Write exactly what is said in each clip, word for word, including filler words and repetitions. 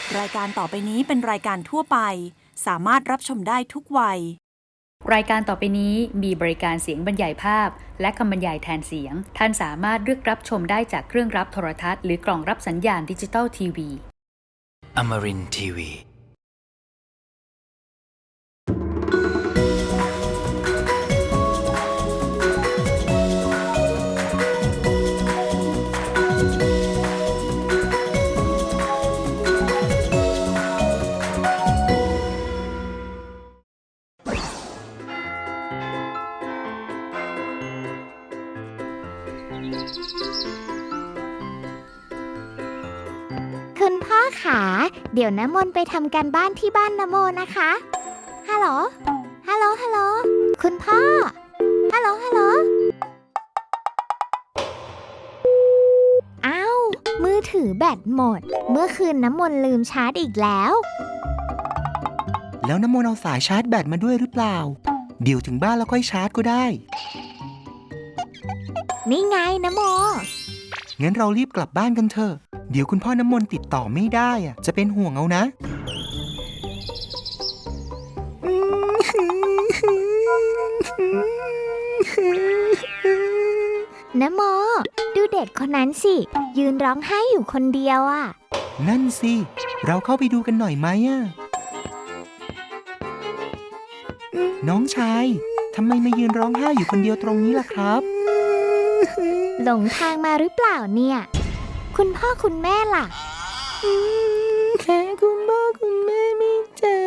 รายการต่อไปนี้เป็นรายการทั่วไปสามารถรับชมได้ทุกวัยรายการต่อไปนี้มีบริการเสียงบรรยายภาพและคำบรรยายแทนเสียงท่านสามารถเลือกรับชมได้จากเครื่องรับโทรทัศน์หรือกล่องรับสัญญาณดิจิตอลทีวี Amarin ที วีคุณพ่อขาเดี๋ยวน้ำมนต์ไปทำการบ้านที่บ้านนโมนะคะฮัลโหลฮัลโหลฮัลโหลคุณพ่อฮัลโหลฮัลโหลอ้าวมือถือแบตหมดเมื่อคืนน้ำมนต์ลืมชาร์จอีกแล้วแล้วน้ำมนต์เอาสายชาร์จแบตมาด้วยหรือเปล่าเดี๋ยวถึงบ้านแล้วค่อยชาร์จก็ได้นี่ไงน้ำโมงั้นเรารีบกลับบ้านกันเถอะเดี๋ยวคุณพ่อน้ำมนต์ติดต่อไม่ได้อะจะเป็นห่วงเอานะน้ำโมดูเด็กคนนั้นสิยืนร้องไห้อยู่คนเดียวอ่ะนั่นสิเราเข้าไปดูกันหน่อยไหมอะน้องชายทำไมมายืนร้องไห้อยู่คนเดียวตรงนี้ล่ะครับหลงทางมาหรือเปล่าเนี่ยคุณพ่อคุณแม่ล่ะแค่คุณพ่อคุณแม่ไม่เจอ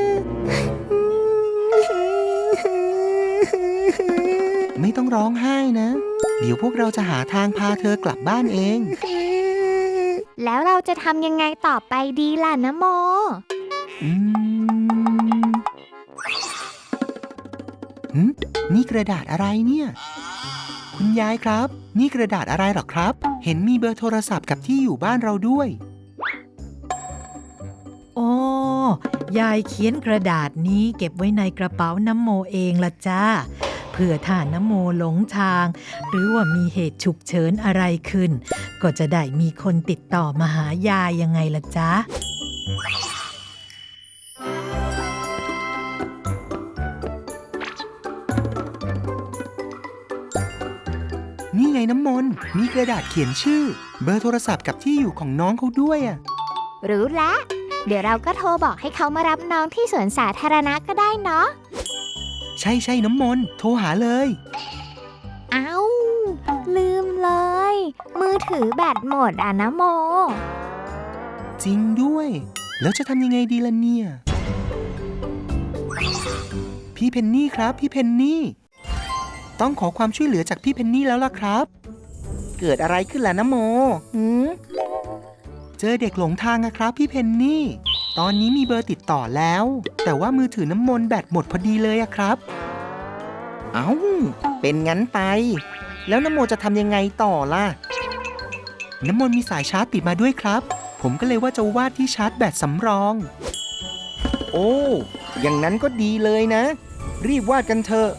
ไม่ต้องร้องไห้นะเดี๋ยวพวกเราจะหาทางพาเธอกลับบ้านเองแล้วเราจะทำยังไงต่อไปดีล่ะนะโมอืมหึนี่กระดาษอะไรเนี่ยคุณยายครับนี่กระดาษอะไรหรอครับเห็นมีเบอร์โทรศัพท์กับที่อยู่บ้านเราด้วยอ๋อยายเขียนกระดาษนี้เก็บไว้ในกระเป๋าน้ำโมเองล่ะจ้าเผื่อถ้าน้ำโมหลงทางหรือว่ามีเหตุฉุกเฉินอะไรขึ้นก็จะได้มีคนติดต่อมาหายายยังไงล่ะจ๊ะนี่ไงน้ำมนต์มีกระดาษเขียนชื่อเบอร์โทรศัพท์กับที่อยู่ของน้องเขาด้วยอ่ะรู้แล้วเดี๋ยวเราก็โทรบอกให้เขามารับน้องที่สวนสาธารณะก็ได้เนาะใช่ใช่น้ำมนต์โทรหาเลยเอ้าลืมเลยมือถือแบตหมดอ่ะนะโมจริงด้วยแล้วจะทำยังไงดีล่ะเนี่ยพี่เพนนี่ครับพี่เพนนี่ต้องขอความช่วยเหลือจากพี่เพนนี่แล้วล่ะครับเกิดอะไรขึ้นล่ะนะโมหืมเจอเด็กหลงทางอะครับพี่เพนนี่ตอนนี้มีเบอร์ติดต่อแล้วแต่ว่ามือถือน้ำมนต์แบตหมดพอดีเลยอะครับเอ้าเป็นงั้นไปแล้วน้ำโมจะทำยังไงต่อล่ะน้ำมนต์มีสายชาร์จติดมาด้วยครับผมก็เลยว่าจะวาดที่ชาร์จแบตสำรองโอ้อย่างนั้นก็ดีเลยนะรีบวาดกันเถอะ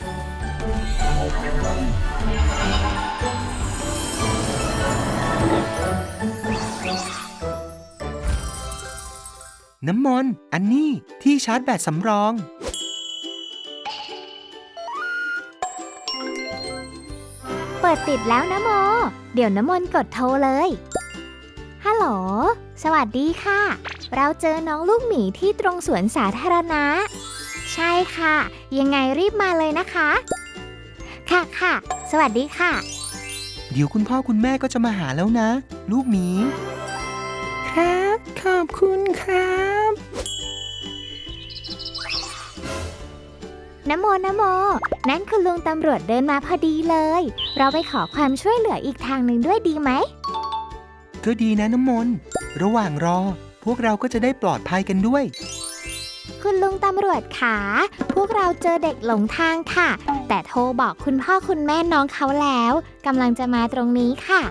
น้ำมนต์อันนี้ที่ชาร์จแบตสำรองเปิดติดแล้วนะโมเดี๋ยวน้ำมนต์กดโทรเลยฮัลโหลสวัสดีค่ะเราเจอน้องลูกหมีที่ตรงสวนสาธารณะใช่ค่ะยังไงรีบมาเลยนะคะค่ะค่ะสวัสดีค่ะเดี๋ยวคุณพ่อคุณแม่ก็จะมาหาแล้วนะลูกหมีครับขอบคุณครับนะโมนะโมนั่นคุณลุงตำรวจเดินมาพอดีเลยเราไปขอความช่วยเหลืออีกทางหนึ่งด้วยดีไหมก็ดีนะน้ำมนต์ระหว่างรอพวกเราก็จะได้ปลอดภัยกันด้วยคุณลุงตำรวจขาพวกเราเจอเด็กหลงทางค่ะแต่โทรบอกคุณพ่อคุณแม่น้องเขาแล้วกำลังจะมาตรงนี้ค่ะ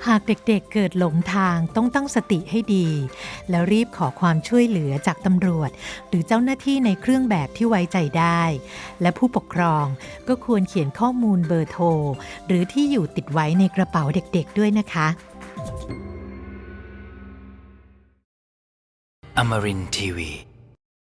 หากเด็กๆเกิดหลงทางต้องตั้งสติให้ดี แล้วรีบขอความช่วยเหลือจากตำรวจ หรือเจ้าหน้าที่ในเครื่องแบบที่ไว้ใจได้ และผู้ปกครองก็ควรเขียนข้อมูลเบอร์โทร หรือที่อยู่ติดไว้ในกระเป๋าเด็กๆด้วยนะคะ Amarin Tiwi